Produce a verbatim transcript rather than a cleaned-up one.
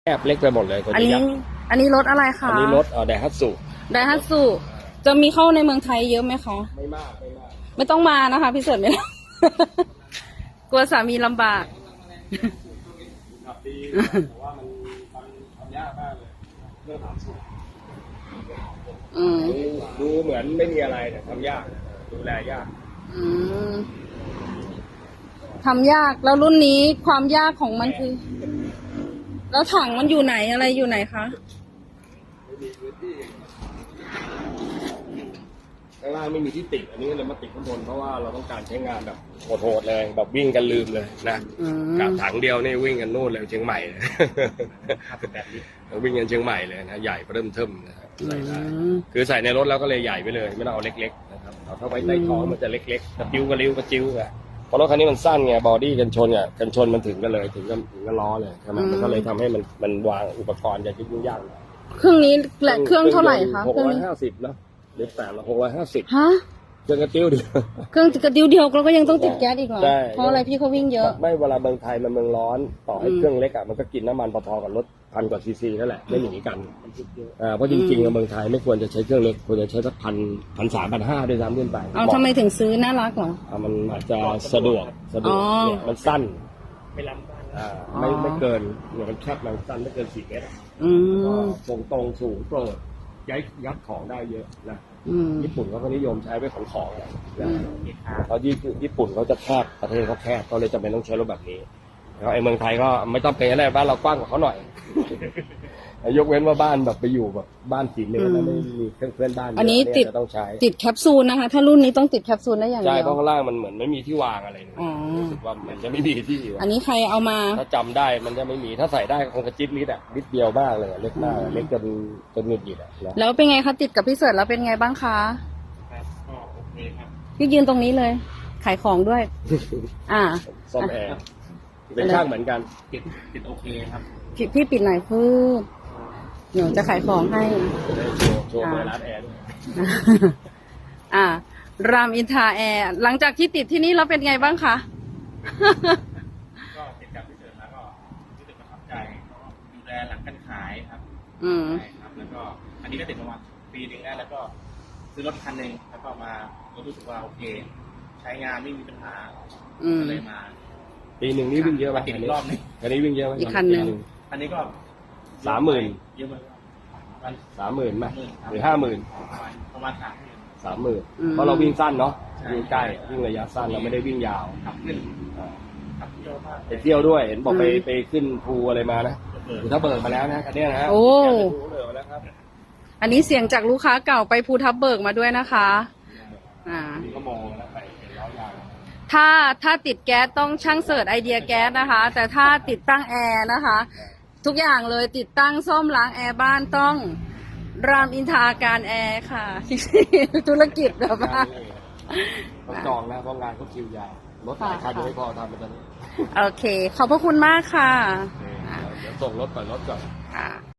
แอบเล็กไปหมดเลยตัวอันนี้นี้ยักษ์อันนี้รถอะไรคะอันนี้รถเอ่อไดฮัตสุไดฮัตสุจะมีเข้าในเมืองไทยเยอะไหมคะไม่มากไม่มากไม่ต้องมานะคะพี่เสิร์ชไม่ต้อง กลัวสามีลำบากขับดีแต่ว่ามันทำทำยากมากเลยเรื่องถามสูตรอืมดูเหมือนไม่มีอะไรแต่ทำยากดูแลยากอืมทำยากแล้วรุ่นนี้ความยากของมันคือ แล้วถังมันอยู่ไหนอะไรอยู่ไหนคะไม่มีพื้นที่ข้างล่างไม่มีที่ติดอันนี้เลยมาติดข้างบนเพราะว่าเราต้องการใช้งานแบบโหดๆเลยแบบวิ่งกันลืมเลยนะอืมกับถังเดียวนี่วิ่งกันนู่นเลยเชียงใหม่เลยวิ่งกันเชียงใหม่เลยนะใหญ่เริ่มเทิมนะครับใส่ได้คือใส่ในรถแล้วก็เลยใหญ่ไปเลยไม่ต้องเอาเล็กๆนะครับเอาเข้าไว้ใต้ท้องมันจะเล็กๆกระติ้วกระลิ้วกระจิ้วอะเพราะรถคันนี้มันสั้นไงบอดี้กันชนอ่ะกันชนมันถึงกันเลยถึงกันถึงกันล้อเลยใช่ไหมมันก็เลยทำให้มันมันวางอุปกรณ์จะยุ่งยากเครื่องนี้แหละเครื่องเท่าไหร่คะหกเครื่องร้อยนี้ห้าสิบนะหรือแปดร้อยหกร้อยห้าสิบฮะเครื่องกระติ้วเดียวเครื่องกระดิ้วเดียวเราก็ยังต้องติดแก๊สอีกเหรอใช่เพราะอะไรพี่เขาวิ่งเยอะไม่เวลาเมืองไทยมันเมืองร้อนต่อให้อืมเครื่องเล็กอ่ะมันก็กินน้ำมันพอๆกับรถพันกว่าซีซีนั่นแหละไม่หนีกันอ่าเพราะจริงๆอะเมืองไทยไม่ควรจะใช้เครื่องเล็กควรจะใช้สักพันพันสามพันห้าด้วยซ้ำขึ้นไปเอาทำไมถึงซื้อน่ารักเหรออ่ามันอาจจะสะดวกสะดวกอ๋อเนี่ยมันสั้นไม่ล้ำบ้านอ่าไม่ไม่เกินเนี่ยมันแคบมันสั้นไม่เกินสี่เมตรอะอืก็มตรงตรงสูงโปร่งย้ายยัดของได้เยอะนะอืมญี่ปุ่นเขาก็นิยมใช้ไว้ของของอะอืมเพราะญี่ปุ่นเขาจะแคบประเทศเขาแคบเขาเลยจำเป็นต้องใช้รถแบบนี้แล้วไอ้เมืองไทยก็ไม่ต้องเป็นอะไรบ้านเรากว้างกว่าเขาหน่อย ยกเว้นว่าบ้านแบบไปอยู่แบบบ้านสี่เมตรแล้วไม่มีเครื่องเพื่อนบ้านเยะอันนี้ติดเยจะต้องใช้ติดแคปซูลนะคะ ถ้ารุ่นนี้ต้องติดแคปซูลได้อย่างใช่เดียวเพราะข้างล่างมันเหมือนไม่มีที่วางอะไรเลยอ๋อรู้สึกว่ามันจะไม่มีที่อันนี้ใครเอามาถ้าจำได้มันจะไม่มีถ้าใส่ได้คงกระจิ๊บนิดอะนิดเดียวมากเลยอะเล็กมากอะเล็กจนจนหงุดหงิดอะนะแล้วเป็นไงคะติดกับพี่เสิร์ชแล้วเป็นไงบ้างคะครับก็โอเคครับพี่ยืนตรงนี้เลย ขายของด้วย อ่าซ่อมแอร์เป็นช่างเหมือนกันติดติดโอเคครับพี่พี่ปิดหน่อยพืดเดี๋ยวจะขายของให้จะได้โชว์โชว์เปิดร้านแอร์ด้วยอ่ารามอินทราแอร์หลังจากที่ติดที่นี่แล้วเป็นไงบ้างคะก็ติดกับพี่เสริมแล้วก็รู้สึกประทับใจดูแลหลังการขายครับอืมใช่ครับแล้วก็อันนี้ก็ติดประมาณปีหนึ่งแล้วแล้วก็ซื้อรถคันหนึ่งแล้วก็มาก็รู้สึกว่าโอเค ใช้งานไม่มีปัญหาอืมก็เลยมาปีหนึ่งนี่วิ่งเยอะไหมมาติดอีกรอบหนึงคันนี้วิ่งเยอะไหมอีกคันหนึ่งอันนี้ก็สามหมื่นเยอะมากวันสามหมื่นไหมหรือห้าหมื่นประมาณสามหมื่นสามหมื่นอืมเพราะเราวิ่งสั้นเนาะใช่วิ่งใกล้วิ่งระยะสั้นเราไม่ได้วิ่งยาวขับขึ้นอ่าขับเยอะมากไปเที่ยวด้วยเห็นบอกไปอืมไปขึ้นภูอะไรมานะเปิดภูทับเบิกมาแล้วนะคันเนี้ยนะฮะโอ้แกไปภูทับเบิกมาแล้วครับอันนี้เสียงจากลูกค้าเก่าไปภูทับเบิกมาด้วยนะคะ อ่านี่ก็มองแล้วไปเห็นล้อยางถ้าถ้าติดแก๊สต้องช่างเสิร์ชไอเดียแก๊สนะคะ แต่ถ้าติดตั้งแอร์นะคะ ทุกอย่างเลยติดตั้งซ่อมล้างแอร์บ้านต้องรามอินทราการแอร์ค่ะ ธุรกิจแบบว่าต้องจองนะเพราะงานเขาคิวยาวรถหลายคันยังไม่พอทำไปตอนนี้โอเค ขอบพระคุณมากค่ะเดี๋ยวส่งรถก่อนรถก่อนค่ะ